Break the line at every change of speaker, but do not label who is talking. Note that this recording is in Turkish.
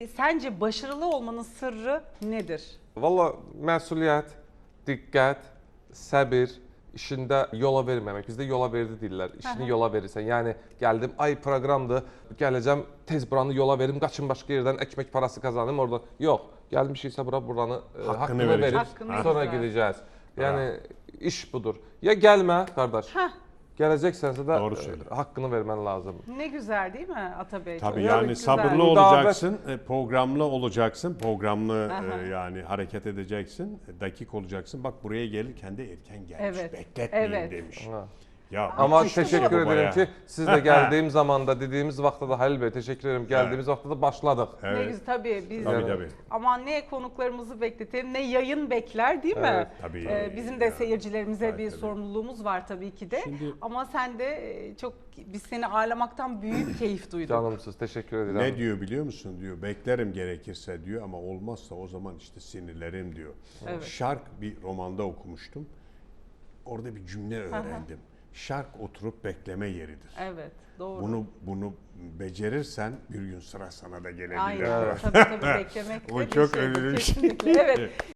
Sence başarılı olmanın sırrı nedir?
Valla məsuliyyət, diqqət, səbir, işində yola verməmək. Bizdə yola verdi deyirlər. İşini yola verirsən. Yəni gəldim, ay proqramdır, gələcəm, tez buranı yola verim, qaçım başqa yerdən ekmek parası kazanım orada. Yox, gəlmişiksə buranı haqqını verib,
Haqqını
sonra
verib.
gedəcəyiz. Yəni iş budur. Ya gəlmə qardaş. Gələcəksənsə də haqqını vermen lazım.
Ne güzel değil mi Atabey?
Tabii
Çok
yani
güzel.
sabırlı olacaksın, programlı olacaksın, programlı yani hareket edeceksin, dakik olacaksın. Bak buraya gelirken de erken gelmiş,
Evet,
bekletmeyin
evet.
demiş.
Ha.
Ya
Ama
müthiş bir
teşekkür
şey bu
ederim
bayağı.
ki siz de geldiğim zamanda dediğimiz vaxtda da Halil Bey teşekkür ederim. Geldiğimiz vaxtda da başladık.
Ne
Evet.
güzel tabii biz
Tabii.
aman ne konuklarımızı bekletelim ne yayın bekler değil mi?
Evet,
tabii.
Bizim de seyircilerimize
Tabii,
bir
tabii.
sorumluluğumuz var tabii ki de.
Şimdi-
Ama sen de çok biz seni ağırlamaktan büyük keyif duyduk.
Canımsız teşekkür ederim.
Ne diyor biliyor musun diyor, beklerim gerekirse diyor ama olmazsa o zaman işte sinirlerim diyor.
Evet.
Şark bir romanda okumuştum. Orada bir cümle öğrendim. Şark oturup bekleme yeridir.
Evet doğru.
Bunu becerirsen bir gün sıra sana da gelebilir.
Aynen tabii beklemek de
O
bir
çok
şeydir,
önemli bir şey.
kesinlikle. Evet.